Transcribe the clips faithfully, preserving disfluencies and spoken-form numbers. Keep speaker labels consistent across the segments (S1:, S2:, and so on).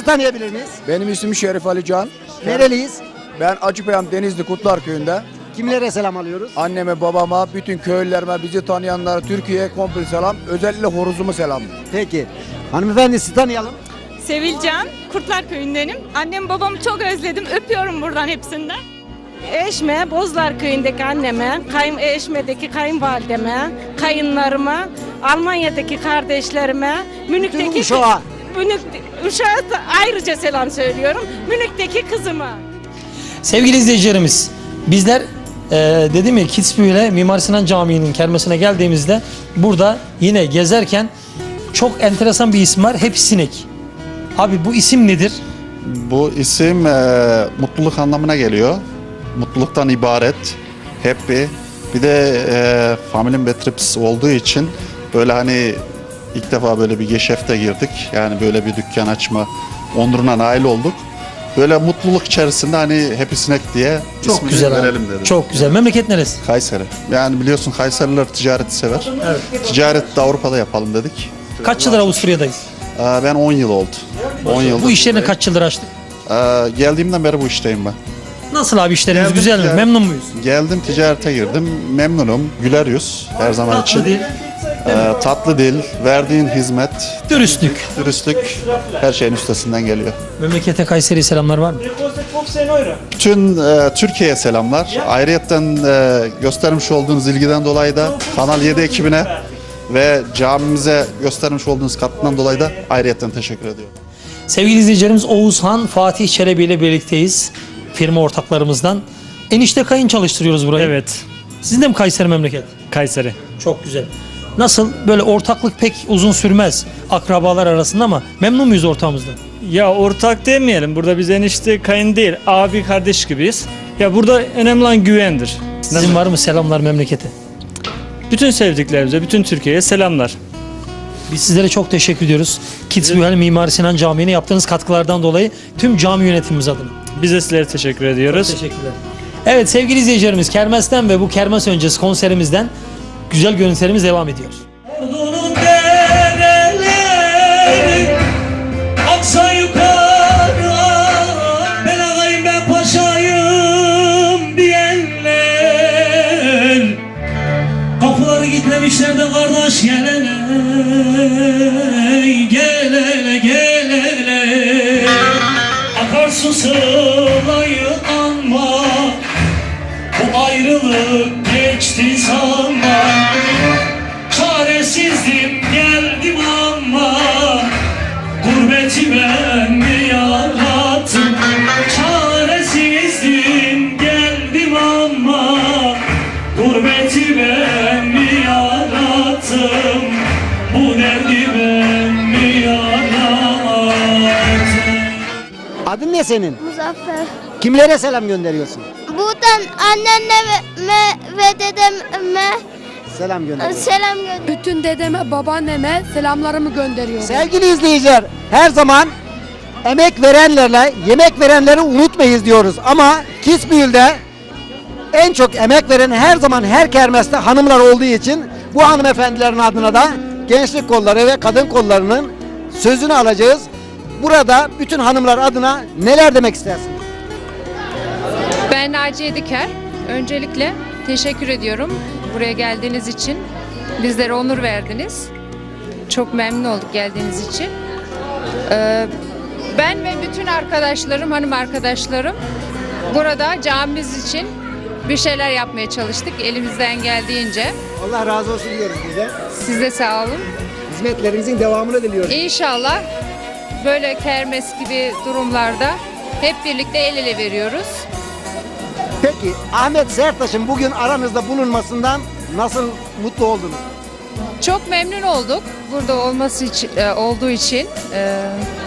S1: tanıyabilir miyiz?
S2: Benim ismim Şerif Ali Can.
S1: Nereliyiz?
S2: Ben Acıpayam Denizli Kutlar Köyü'nde.
S1: Kimlere selam alıyoruz?
S2: Anneme, babama, bütün köylülerime, bizi tanıyanlara, Türkiye'ye komple selam. Özellikle horozumu selam.
S1: Peki. Hanımefendi sizi tanıyalım.
S3: Sevilcan, Kurtlar Köyü'ndenim. Annem babamı çok özledim. Öpüyorum buradan hepsinden.
S4: Eşme, Bozlar Köyü'ndeki anneme, kayın, Eşme'deki kayınvalideme, kayınlarıma, Almanya'daki kardeşlerime, Münih'teki
S1: Uşak'a.
S4: Münih, Uşak'a da ayrıca selam söylüyorum. Münih'teki kızıma.
S5: Sevgili izleyicilerimiz, bizler e, dedim ya Kitzbühel'e Mimar Sinan Camii'nin kermesine geldiğimizde burada yine gezerken çok enteresan bir isim var. Hep Sinek. Abi bu isim nedir?
S6: Bu isim e, mutluluk anlamına geliyor. Mutluluktan ibaret, happy. Bir de e, Family Betrips olduğu için böyle hani ilk defa böyle bir geschäft'e girdik. Yani böyle bir dükkan açma onuruna nail olduk. Böyle mutluluk içerisinde hani Happy Snack diye
S5: Çok
S6: ismini
S5: güzel abi.
S6: verelim dedik.
S5: Çok güzel. Memleket neresi?
S6: Kayseri. Yani biliyorsun Kayseriler ticareti sever.
S5: Evet.
S6: Ticaret de Avrupa'da yapalım dedik.
S5: Kaç yıldır Avusturya'dayız?
S6: Ee, Ben on yıl oldu. on yıldır.
S5: Bu işlerini kaç yıldır açtık?
S6: Ee, geldiğimden beri bu işteyim ben.
S5: Nasıl abi işleriniz
S6: Geldim,
S5: güzel mi?
S6: geldim.
S5: Memnun muyuz?
S6: Geldim ticarete girdim. Memnunum. Güler yüz her zaman için.
S5: Tatlı değil.
S6: Ee, tatlı dil, verdiğin hizmet,
S5: Dürüstlük.
S6: dürüstlük her şeyin üstesinden geliyor.
S5: Memlekete Kayseri selamlar var mı?
S6: Bütün e, Türkiye'ye selamlar. Ayrıyetten e, göstermiş olduğunuz ilgiden dolayı da Kanal yedi ekibine ve camimize göstermiş olduğunuz katkıdan dolayı da ayrıyetten teşekkür ediyorum.
S5: Sevgili izleyicilerimiz, Oğuzhan Fatih Çelebi ile birlikteyiz. Firma ortaklarımızdan. Enişte kayın çalıştırıyoruz burayı.
S7: Evet,
S5: Sizin de mi Kayseri memleket?
S7: Kayseri.
S5: Çok güzel. Nasıl? Böyle ortaklık pek uzun sürmez akrabalar arasında ama memnun muyuz ortağımızdan?
S7: Ya ortak demeyelim. Burada biz enişte kayın değil, abi kardeş gibiyiz. Ya burada önemli olan güvendir.
S5: Sizin var mı selamlar memlekete?
S7: Bütün sevdiklerimize, bütün Türkiye'ye selamlar.
S5: Biz sizlere çok teşekkür ediyoruz. Kitzbühel Mimar Sinan Camii'ne yaptığınız katkılardan dolayı tüm cami yönetimimiz adına.
S7: Biz de sizlere teşekkür ediyoruz.
S5: Teşekkürler. Evet sevgili izleyicilerimiz, kermesten ve bu kermes öncesi konserimizden güzel görüntülerimiz devam ediyor.
S8: Ordunun dereleri aksa yukarı, ben ağayım ben paşayım diyenler, kapıları gitmemişler de kardeş gelene gelene gelene, akarsu sılayı anma, bu ayrılık geçti sanma. Çaresizdim geldim ama gurbeti ben mi yarattım? Çaresizdim geldim ama gurbeti ben mi yarattım? Bu derdi ben mi yarattım?
S1: Adın ne senin?
S9: Muzaffer.
S1: Kimlere selam gönderiyorsun?
S9: Buradan annenle ve, me- ve dedeme
S1: Selam gönderiyorsun.
S9: selam gönder.
S10: Bütün dedeme, babaanneme selamlarımı gönderiyorum.
S1: Sevgili izleyiciler, her zaman emek verenlerle yemek verenleri unutmayız diyoruz. Ama Kitzbühel'de en çok emek veren her zaman her kermeste hanımlar olduğu için bu hanımefendilerin adına da gençlik kolları ve kadın kollarının sözünü alacağız. Burada bütün hanımlar adına neler demek istersin?
S11: Ben Naciye Diker. Öncelikle teşekkür ediyorum buraya geldiğiniz için. Bizlere onur verdiniz. Çok memnun olduk geldiğiniz için. Ee, ben ve bütün arkadaşlarım, hanım arkadaşlarım burada camimiz için bir şeyler yapmaya çalıştık elimizden geldiğince.
S1: Allah razı olsun diyoruz bize.
S11: Siz de sağ olun.
S1: Hizmetlerinizin devamını diliyoruz.
S11: İnşallah böyle kermes gibi durumlarda hep birlikte el ele veriyoruz.
S1: Peki Ahmet Sertaş'ın bugün aranızda bulunmasından nasıl mutlu oldunuz?
S11: Çok memnun olduk burada olması için, e, olduğu için. E,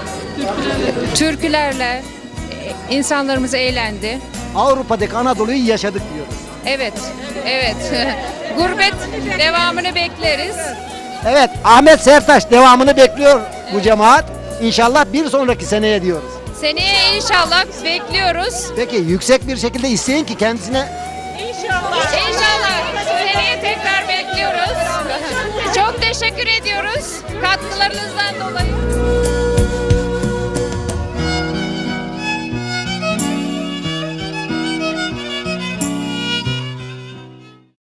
S11: türkülerle e, insanlarımız eğlendi.
S1: Avrupa'daki Anadolu'yu yaşadık diyoruz.
S11: Evet, evet. Gurbet devamını bekleriz.
S1: Evet, Ahmet Sertaş devamını bekliyor bu cemaat. İnşallah bir sonraki seneye diyoruz.
S11: Seneye inşallah bekliyoruz.
S1: Peki yüksek bir şekilde isteyin ki kendisine...
S11: İnşallah. İnşallah. Seneye tekrar bekliyoruz. Çok teşekkür ediyoruz katkılarınızdan dolayı.